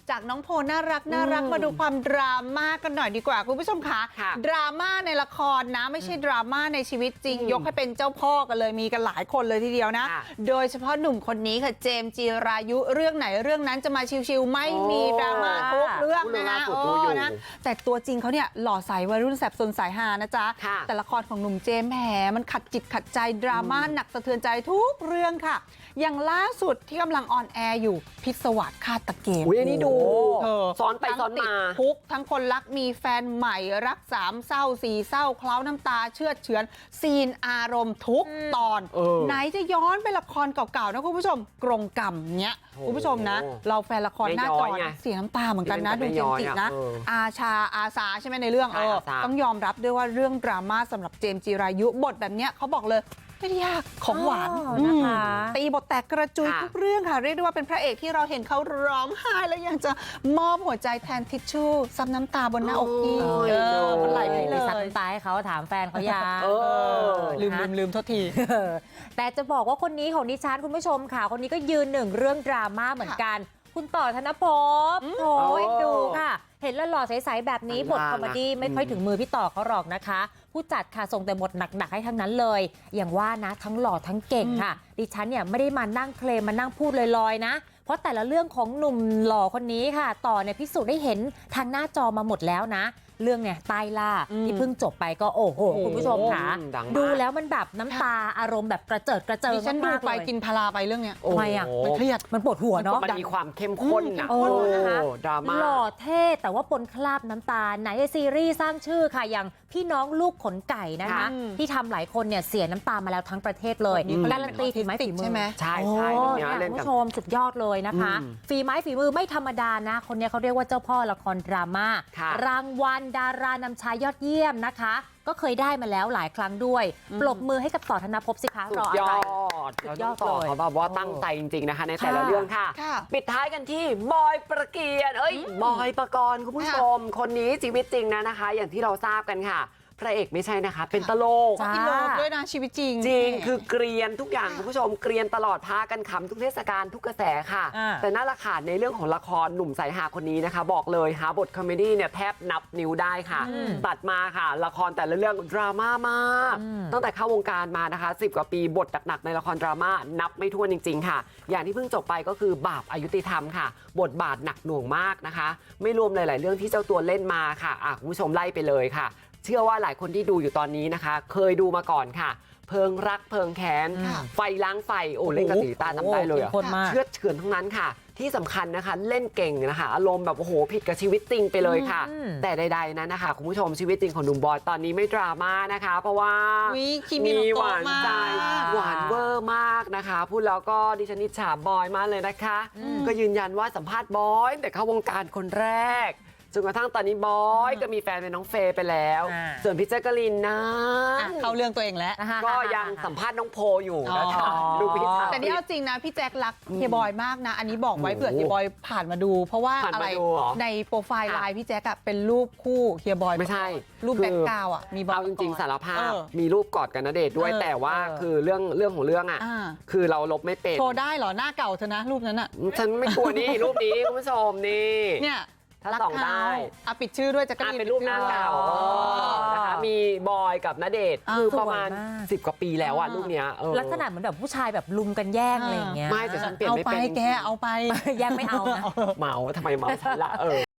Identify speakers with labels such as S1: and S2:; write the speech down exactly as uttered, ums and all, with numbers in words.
S1: จากน้องโพน่ารักน่ารักมาดูความดราม่ากันหน่อยดีกว่าคุณผู้ชมคะดราม่าในละครนะไม่ใช่ดราม่าในชีวิตจริงยกให้เป็นเจ้าพ่อกันเลยมีกันหลายคนเลยทีเดียวนะโดยเฉพาะหนุ่มคนนี้ค่ะเจมส์จีรายุเรื่องไหนเรื่องนั้นจะมาชิวๆไม่มีดราม่าทุกเรื่องนะโอ้นะแต่ตัวจริงเขาเนี่ยหล่อใสวัยรุ่นแสบสนสายฮานะจ๊ะแต่ละครของหนุ่มเจมส์แหมมันขัดจิตขัดใจดราม่าหนักสะเทือนใจทุกเรื่องค่ะอย่างล่าสุดที่กำลังออนแอร์อยู่พิศวาสฆาตเกม
S2: อุ้ยอันนี้ดูซ้อนไปซ้อนมา
S1: ทุกทั้งคนรักมีแฟนใหม่รักสามเศร้าสี่เศร้าเคล้าน้ำตาเชื่อเฉือนซีนอารมณ์ทุกตอนไหนจะย้อนไปละครเก่าๆนะคุณผู้ชมกรงกรรมเนี้ยคุณผู้ชมนะเราแฟนละครหน้าจอเสียน้ำตาเหมือนกันนะดูจริงๆนะอาชาอาสาใช่ไหมในเรื่องเออต้องยอมรับด้วยว่าเรื่องดราม่าสำหรับเจมส์จีรายุบทแบบเนี้ยเขาบอกเลยไม่ได้ยากของหวานนะคะตีบทแตกกระจุยทุกเรื่องค่ะเรียกได้ว่าเป็นพระเอกที่เราเห็นเขาร้องไห้แล้วยังจะมอบหัวใจแทนทิชชู่ซับน้ำตาบนหน้าอกพี่เออมันไหลไปเลย
S3: ซับน้ำตาให้เขาถามแฟนเขายา
S1: ลืมลืมลืมโทษที
S3: แต่จะบอกว่าคนนี้ของดิฉันคุณผู้ชมค่ะคนนี้ก็ยืนหนึ่งเรื่องดราม่าเหมือนกันคุณต่อธนภพโอ้ยดูค่ะเห็นหล่อๆใสๆแบบนี้บทคอมเมดี้ไม่ค่อยถึงมือพี่ต่อเขาหรอกนะคะผู้จัดค่ะส่งแต่บทหนักๆให้ทั้งนั้นเลยอย่างว่านะทั้งหล่อทั้งเก่งค่ะดิฉันเนี่ยไม่ได้มานั่งเคลมมานั่งพูดลอยๆนะเพราะแต่ละเรื่องของหนุ่มหล่อคนนี้ค่ะต่อเนี่ยพิสูจน์ได้เห็นทางหน้าจอมาหมดแล้วนะเรื่องเนี่ยใต้ล่าที่เพิ่งจบไปก็โอ้โหคุณผู้ชมค่ะดูแล้วมันแบบน้ำตาอารมณ์แบบกระเจิดกระเจิง
S1: ฉันดูไปกินพาราไปเรื่องเนี้ย
S3: ทำไมอ่ะ
S1: มันเครียด
S3: มันปวดหัวเนาะ
S2: มันมีความเข้มข้นนะ
S3: โอ้นะคะ
S2: ดราม่า
S3: หล่อเท่แต่ว่าปนคราบน้ำตาไหนซีรีส์สร้างชื่อค่ะอย่างพี่น้องลูกขนไก่นะคะที่ทำหลายคนเนี่ยเสียน้ำตามาแล้วทั้งประเทศเลยการันตีฝีไม้ฝีมือ
S1: ใช่ไหม
S2: ใช่ใช่
S3: คุณผู้ชมสุดยอดเลยนะคะฝีไม้ฝีมือไม่ธรรมดานะคนนี้เขาเรียกว่าเจ้าพ่อละครดราม่ารางวัลดารานำชายยอดเยี่ยมนะคะก็เคยได้มาแล้วหลายครั้งด้วยปรบมือให้กับต่อธนภพสิคะรออะไร
S2: สุดยอดต่อเขาแบบว่าตั้งใจจริงๆนะคะในแต่ละเรื่องค่ะปิดท้ายกันที่บอยประเกียรติเอ้ยบอยปกรณ์คุณผู้ชมคนนี้ชีวิตจริงนะนะคะอย่างที่เราทราบกันค่ะพระเอกไม่ใช่นะคะเป็นตลก
S1: อินโลด้วยนะชีวิตจริง
S2: จริงคือเกรียนทุกอย่างคุณผู้ชมเกรียนตลอดพากันขำทุกเทศกาลทุกกระแสค่ะแต่น่าละขาดในเรื่องของละครหนุ่มสายหาคนนี้นะคะบอกเลยหาบทคอมเมดี้เนี่ยแทบนับนิ้วได้ค่ะตัดมาค่ะละครแต่ละเรื่องดราม่ามากตั้งแต่เข้าวงการมานะคะสิบกว่าปีบทหนักๆในละครดราม่านับไม่ถ้วนจริงๆค่ะอย่างที่เพิ่งจบไปก็คือบาปอายุติธรรมค่ะบทบาทหนักหน่วงมากนะคะไม่รวมหลายๆเรื่องที่เจ้าตัวเล่นมาค่ะอ่ะคุณผู้ชมไล่ไปเลยค่ะเชื่อว่าหลายคนที่ดูอยู่ตอนนี้นะคะเคยดูมาก่อนค่ะเพลิงรักเพลิงแค้นไฟล้างไฟโอ้เล่นกับสีตาจำได้เลยเชื่อเฉือนทั้งนั้นค่ะที่สำคัญนะคะเล่นเก่งนะคะอารมณ์แบบโอ้โหผิดกับชีวิตจริงไปเลยค่ะแต่ใดๆนั้นนะคะคุณผู้ชมชีวิตจริงของหนุ่มบอยตอนนี้ไม่ดราม่านะคะเพราะว่ามีหวานใจหวานเวอร์มากนะคะพูดแล้วก็ดิฉันอิจฉาบอยมากเลยนะคะก็ยืนยันว่าสัมภาษณ์บอยแต่เข้าวงการคนแรกจนกระทั่งตอนนี้บอยก็มีแฟนเป็นน้องเฟย์ไปแล้วส่วนพี่แจ๊กกะลินนะ
S1: เข้าเรื่องตัวเองแล้ว
S2: ก็ยังสัมภาษณ์น้องโพอยู่นะคะดูพี่
S1: แต่นี่เอาจริงนะพี่แจ๊กรักเฮียบอยมากนะอันนี้บอกไว้เผื่อเฮียบอยผ่านมาดูเพราะว่าอะไรในโปรไฟล์ไลน์พี่แจ๊กเป็นรูปคู่เฮียบอย
S2: ไม่ใช่
S1: รูปแบ็คกราวด์อ่ะมีบอย
S2: เอาจริงๆสารภาพมีรูปกอดกันณเดชน์ด้วยแต่ว่าคือเรื่องเรื่องของเรื่องอ่ะคือเราลบไม่เป็น
S1: โชว์ได้เหรอหน้าเก่าเธอนะรูปนั้นอ่ะ
S2: ฉันไม่กลัวนี่รูปนี้คุณผู้ชมนี่
S1: เนี่ย
S2: ถ้าส่องได้
S1: อ่ะปิดชื่อด้วยจะก็
S2: เป็นรูปหน้าเก่านะคะมีบอยกับณเดชน์คือประมาณสิบกว่าปีแล้วอ่ะรูปเนี้ย
S3: ลักษณะเหมือนแบบผู้ชายแบบลุมกันแย่งอะไรอย่างเงี้ย
S2: ไม่แต่ฉันเปลี่ยนไม่เป็น
S1: เอาไปแกเอาไป
S3: แย่งไม่เอานะ
S2: เมาทำไมเมาฉันละเออ